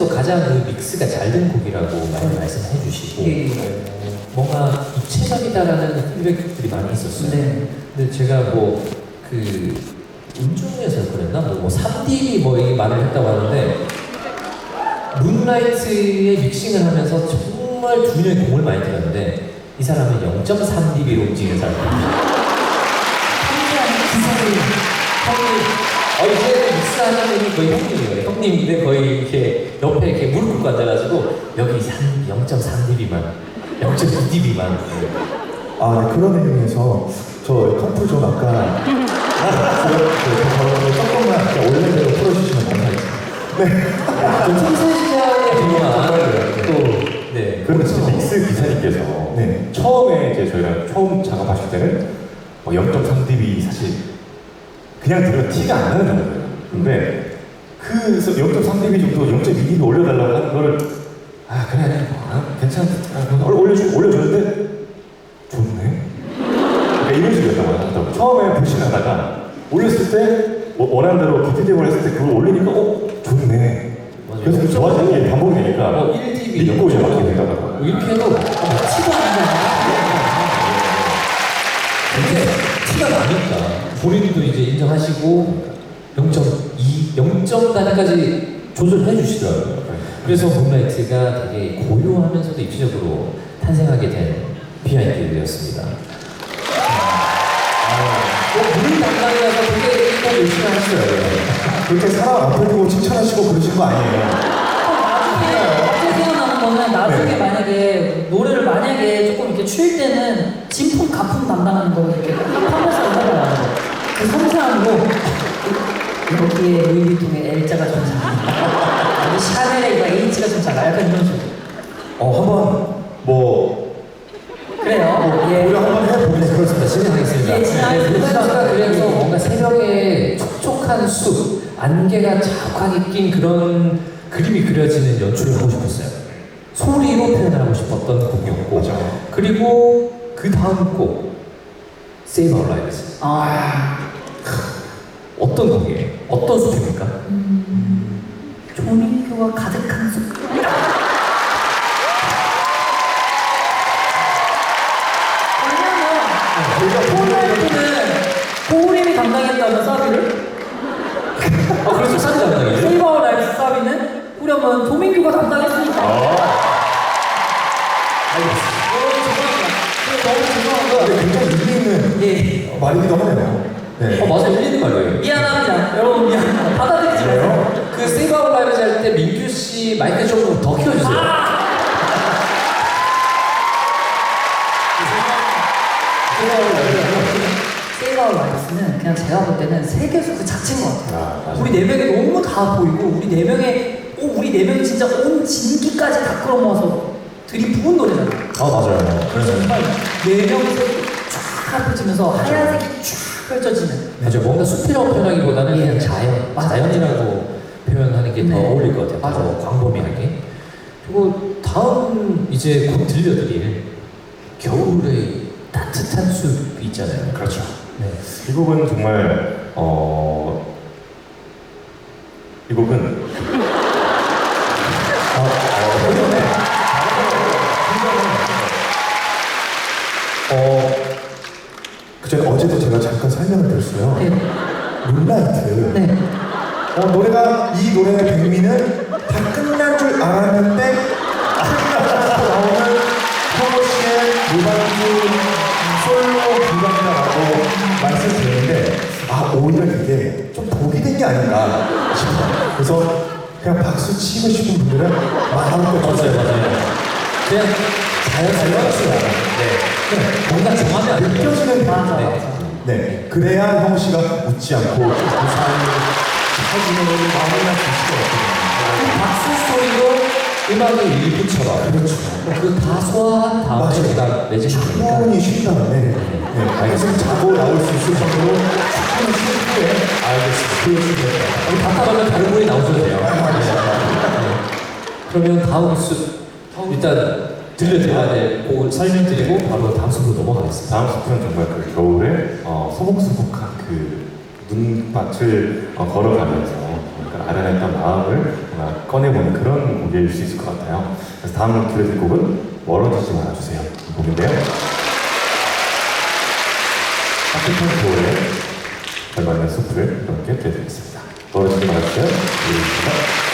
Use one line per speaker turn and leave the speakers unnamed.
또 가장 그 믹스가 잘 된 곡이라고 많이 말씀해 주시고 뭔가 입체적이다라는 피드백들이 많이 있었어요.
네.
근데 제가 뭐 그 운중에서 그랬나? 뭐 3D 뭐 이 말을 했다고 하는데 문라이트의 믹싱을 하면서 정말 두 명의 공을 많이 들였는데 이 사람은 0.3dB로 움직이는 사람입니다. 형이 이제 믹스하는 분이 거의 형님이에요. 형님인데 거의 이렇게 옆에 이렇게 무릎 꿇고 앉아가지고 여기 0.3dB만 0.2dB만
아, 네, 그런 의미에서 저 컴프 좀 아까 조금만 원래대로 풀어주시면 감사하겠습니다. 네.
좀 청소시장에 대한 또
그런데 진짜 믹스 기사님께서
네.
처음에 이제 저희가 처음 작업하실 때는 0.3dB 사실 그냥 들으면 티가 안 나는 거예요. 근데 그 0.3dB 정도 0.2dB 올려달라고 하는 거를 그래 괜찮아 올려줬는데 좋네. 그러니까 이런 식이었다고 하더라고요. 처음에 불신을 하다가 올렸을 때 원하는 대로 기피대을 했을 때 그걸 올리니까 좋네.
맞아요.
그래서 좋아지는 게 반복되니까
1dB
믿고 이제 맞게 되더라고요.
이렇게 해도 티가 안 나요. 근데 티가 나니까 본인도 이제 인정하시고 0.2, 0점 단위까지 조절해 주시더라고요. 그래서 문라이트가 되게 고요하면서도 입체적으로 탄생하게 된 비하인드였습니다. 물 담당이라서 되게 꼭 열심히 하시더라고요.
그렇게 사람 앞에 두고 칭찬하시고 그러신 거 아니에요?
갑자기 생각나는 거는 나중에
네.
만약에 노래를 조금 이렇게 추일 때는 진품 가품 담당하는 거 이렇게 하면서 해봐요. 그 섬세한 거 여기에 루이비통에 L자가 좀 작아. 여기 샤넬에 이거 H가 좀 작아. 약간 이런 식으로.
한번
그래요. 예.
우리 한번 해보겠습니다.
그렇습니다. 진행하겠습니다.
예, 진행하겠습니다.
제가 그래서 뭔가 새벽에 촉촉한 숲, 안개가 자욱하게 낀 그런 그림이 그려지는 연출을 하고 싶었어요. 소리로 표현을 하고 싶었던 곡이었고,
맞아요.
그리고 그 다음 곡, Save Our Lives. 어떤 곡이에요? 어떤 숲입니까?
조민규가 가득한 숲. 왜냐면 고우림이 담당했다면 사비를
그래서 사진 담당이죠?
세이버 아워 라이프 사비는 후렴은 조민규가 담당했으니까. 너무 죄송한
근데 굉장히 의미 있는
예.
말이기도 하네요. 네.
맞아, 일리는 말이에요.
미안합니다. 여러분 미안합니다. 받아들이지 마세요.
그 Save Our Lives 할 때 민규 씨 마이크 좀 더 키워주세요.
세이버 아워 라이프는 그냥 제가 볼 때는 세계수 그 자체인 것 같아요.
맞아요.
우리 네 명이 너무 다 보이고 우리 네 명이 진짜 온 진기까지 다 끌어모아서 들이부은 노래잖아요.
맞아요.
그래서 정말 네 명이서 쫙 펼치면서 하얀색이 쫙 펼쳐지는.
맞아요. 뭔가 숲이라고 표현하기보다는
예.
그냥 자연,
맞아요.
자연이라고 표현하는 게 더
네.
어울릴 것 같아요.
맞아요.
더 광범위하게. 그리고 다음 이제 곧 들려드릴 겨울의 따뜻한 숲 있잖아요.
그렇죠.
네.
이 곡은 정말 이 곡은
그전에 어제도 제가 잠깐 설명을 드렸어요.
네.
문라이트.
네.
노래가 이 노래의 백미는 다 끝난 줄 알았는데 끝나고 나오는 현호 씨의 무반주 솔로 불가이다라고 말씀드렸는데 오히려 이게 좀 독이 된 게 아닌가 싶어요. 그래서 그냥 박수 치고 싶은 분들은 마음껏
맞아요, 맞아요. 그냥 자연스러워요. 네. 뭔가 정하면 안 돼요.
느껴지는
맞아,
네.
맞아.
네. 그래야 형우 씨가 웃지 않고 무사히 사진을 마무리할 수 있을 것 같거든요.
박수 소리로 음악의 일부처럼
그렇죠.
그 다 소화한 다음에
맞아요.
제가 내주시면 되니까.
충분히 쉰 다음에 알겠습니다. 자고 나올 수 있을 정도로 충분히 쉰 후에
알겠습니다.
보여주면 돼요.
답답하면 다른 분이 나오셔도 돼요. 네. 그러면 다음 숲 일단 들려드려야 될 곡을 설명드리고 바로 다음 숲으로 넘어가겠습니다.
다음 숲은 정말 그 겨울에 소복소복한 그 눈밭을 걸어가면서 약간 아련했던 마음을 뭔가 꺼내보는 그런 곡일 수 있을 것 같아요. 그래서 다음 들려드릴 곡은 멀어지지 말아주세요. 이 곡인데요. 하트톤 조의 걸맞는 숲을 이렇게 들려드리겠습니다. 멀어지지 말아주세요. 드리겠습니다.